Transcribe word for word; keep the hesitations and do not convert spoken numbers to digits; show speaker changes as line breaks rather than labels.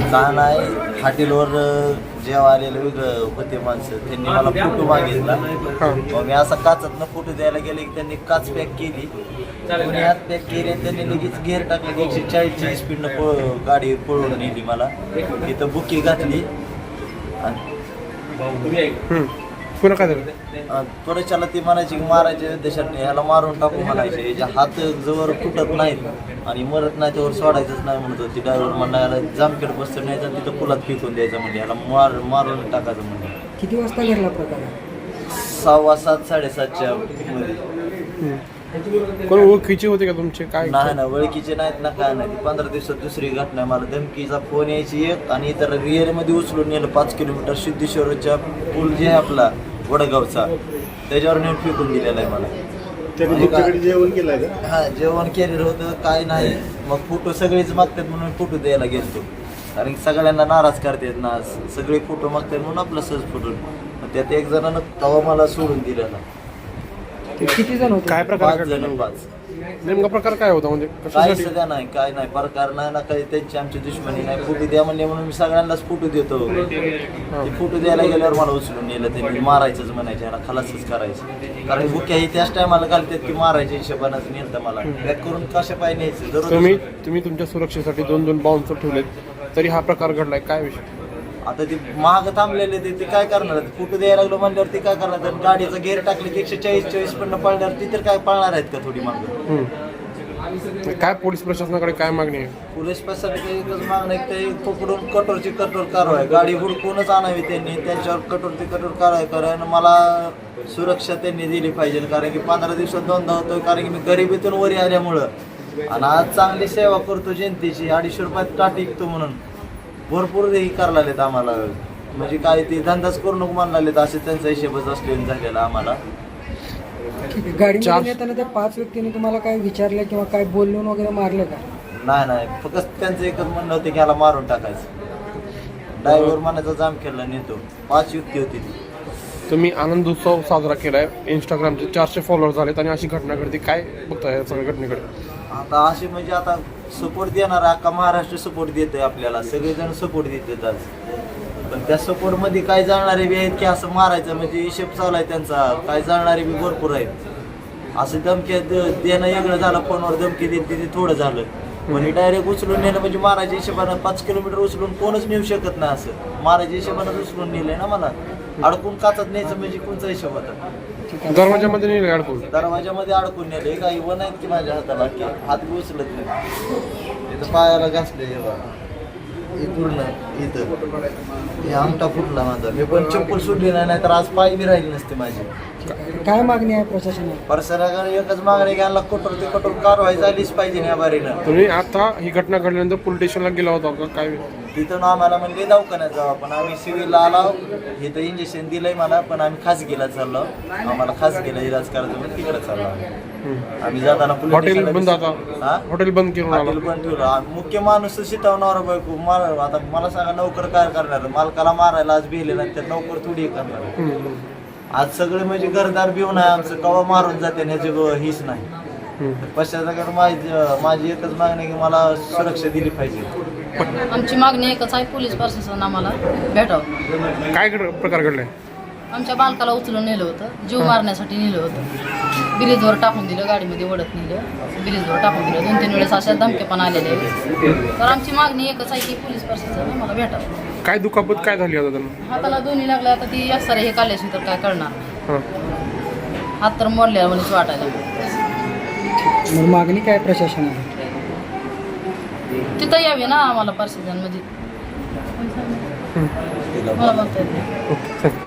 का नाही हॉटेलवर जेव्हा आलेलं वेगळं होते माणसं त्यांनी मला फोटो मागितला. मग मी असा काचातनं फोटो द्यायला गेले की त्यांनी काच पॅक केली, कोणी हात पॅक केली आणि त्यांनी लगेच गेअर टाकले की एकशे चाळीसची स्पीडनं पळ गाडी पळवून नेली मला. तिथं बुकी घातली आणि
पुन्हा काय झालं?
त्वरेच्याला ती म्हणायची की मारायचे देशात ह्याला मारून टाकू म्हणायचे, याच्या हात जवळ फुटत नाहीत आणि मरत नाही त्यावर सोडायचंच नाही म्हणत होती. ड्रायव्हर म्हणला याला जामखेड बसतं नाही तर तिथं पुलात फेकून द्यायचं म्हणजे याला मार मारून टाकायचं म्हणजे.
किती वाजता घडला प्रकार?
सहावा सात साडेसातच्या मध्ये.
कोण ओळखीचे होते का तुमचे? काय
नाही ना ओळखीचे नाहीत ना काय नाही. पंधरा दिवसात दुसरी घटना. मला धमकीचा फोन यायची एक आणि इतर रिअरमध्ये उचलून नेलं पाच किलोमीटर सिद्धेश्वरच्या पूल जे आहे आपला वडगावचा त्याच्यावर नेऊन फेकून दिलेला आहे मला.
जेवण केलं का?
हा जेवण केलेलं होतं काय नाही. मग फोटो सगळेच मागतात म्हणून फोटो द्यायला गेलतो, कारण की सगळ्यांना नाराज करतात ना, सगळे फोटो मागतात म्हणून आपलं सहज फोटो. त्यात एक जणांना तवा मला सोडून दिलेला.
किती जण होते?
काय प्रकार
पाच
घडला?
जण पाच.
नेमका प्रकार काय होता म्हणजे
काय
कशासाठी?
सध्या नाही काय नाही प्रकार नाही ना काही. त्यांची आमची दुश्मनी नाही. फोटो द्या म्हणले म्हणून मी सगळ्यांनाच फोटो देतो. ते फोटो द्यायला गेल्यावर मला उचलून नेलं. त्यांनी मारायचंच म्हणायचे, याला खलासच करायचं. कारण बुक्या ही त्याच टायमाला घालतात की मारायच्या हिशोबानंच नेलं मला. बॅक करून कशा पाय न्यायचं दररोज.
तुम्ही तुम्ही तुमच्या सुरक्षेसाठी दोन दोन बाउन्सर ठेवलेत तरी हा प्रकार घडलाय, काय विषय?
आता ते महाग थांबलेले ते ते काय करणार? फोटो द्यायला लागलो म्हणल्यावर ते काय करणार? तर गाडीचं गेअर टाकले की एकशे चाळीस चाळीस पण पळणार ती तर काय पळणार आहेत का थोडी मागं?
हम्म. काय पोलीस प्रशासनाकडे काय मागणी आहे?
पोलीस प्रशासनाची एकच मागणं आहे की ते पकडून कठोरची कठोर कारवाई, गाडी हुडकूनच आणावी त्यांनी, त्यांच्यावर कठोरची कठोर कारवाई करा. आणि मला सुरक्षा त्यांनी दिली पाहिजे, कारण की पंधरा दिवसात दोनदा होतो, कारण की मी गरिबीतून वरी आल्यामुळं. आणि आज चांगली सेवा करतो जनतेची, अडीचशे रुपयात टाटी विकतो म्हणून भरपूर हे करायला लागलेत आम्हाला. म्हणजे काय ते धंदाच करू नको म्हणायला लागलेत, असे त्यांचा हिशेबच असलेला झालेला आम्हाला.
गाडीमध्ये येताना त्या पाच व्यक्तींनी तुम्हाला काय विचारलं किंवा काय बोलून वगैरे मारलं का?
नाही नाही फक्त त्यांचं एकच म्हणणं होतं की ह्याला मारून टाकायचं. ड्रायव्हर मनाचा जाम खेळला नेतो. पाच युक्ती होती ती.
तुम्ही आनंद उत्सव साजरा केलाय, इंस्टाग्रामचे चारशे फॉलोअर झालेत आणि अशी घटना घडते, काय बघताय या सगळ्या घटनेकडे?
आता असे म्हणजे आता सपोर्ट देणार अख्खा महाराष्ट्र सपोर्ट देतोय आपल्याला, सगळेजण सपोर्ट देतात आज. पण त्या सपोर्टमध्ये काय जाणारे बी आहेत की असं मारायचं म्हणजे हिशेब चालू आहे त्यांचा. काय जाणारे बी भरपूर आहेत. असं धमकी देणं वेगळं झालं, फोनवर धमकी देत ते थोडं झालं. म्हणजे डायरेक्ट उचलून नेलं म्हणजे मारायच्या हिशोबानं पाच किलोमीटर उचलून कोणच नेऊ शकत नाही. असं मारायच्या हिशोबानं उचलून नेलंय ना मला. अडकून काचत न्यायचं म्हणजे कोणचा हिशोब होता?
दरवाजामध्ये नेले अडकून?
दरवाजामध्ये अडकून नेले. काही वन आहेत की माझ्या हाताला की हात बी उचलत नाही. इथं पायाला घासले हे बघा, हे पूर्ण इथं हे आमटा फुटला माझा. मी पण चप्पल सुटली नाही, नाही तर आज पाय बी राहिली नसते माझी.
काय मागणी आहे प्रशासनाला?
प्रशासनाकडे एकच मागणी घ्यायला कठोर ते कठोर कारवाई झालीच पाहिजे या बारीनं.
तुम्ही आता ही घटना घडल्यानंतर पोलीस स्टेशनला गेला होता का काय?
तिथून आम्हाला म्हणजे दवाखान्यात जाऊ, पण आम्ही सिव्हिलला आलो. इथं इंजेक्शन दिलंय मला, पण आम्ही खासगीला चाललो. आम्हाला खासगीला इलाज करायचं म्हणून तिकडे चाललो आम्ही. जाताना
हॉटेल बंद, आता
हा
हॉटेल बंद करून आला.
हॉटेल बंद ठेवलं. मुख्य माणूस शिटवणार बायको मार. आता मला सांगा नोकर काय करणार? मालकाला मारायला आज भिले नाही तर नोकर थोडी करणार. आज सगळे म्हणजे घरदार भिवून आहे आमचं, कवा मारून जाते ह्याची हीच नाही. पश्चात माझी माझी एकच मागणी आहे की मला सुरक्षा दिली पाहिजे.
आमची मागणी एकच आहे, पोलीस प्रशासन आम्हाला भेटावं.
काय घड- प्रकार घडलाय?
आमच्या बालकाला उचलून नेलं होतं, जीव मारण्यासाठी नेलं होतं. ब्रिजवर टाकून दिलं, गाडीमध्ये ओढत नेलं, ब्रिजवर टाकून दिलं. दोन तीन वेळेस अशा धमके पण आलेले आहेत. तर आमची मागणी एकच आहे की पोलीस प्रशासन आम्हाला भेटावं.
काय दुखापत काय झाली आता त्यांना?
हाताला दोन्ही लागल्या. आता ती असणार हे काढल्याशी तर काय करणार?
हां.
हात तर मोडल्या म्हणून वाटायला.
मग मागणी काय प्रशासनाला?
तिथं यावे ना आम्हाला प्रशासन मध्ये. मला म्हणता येत नाही.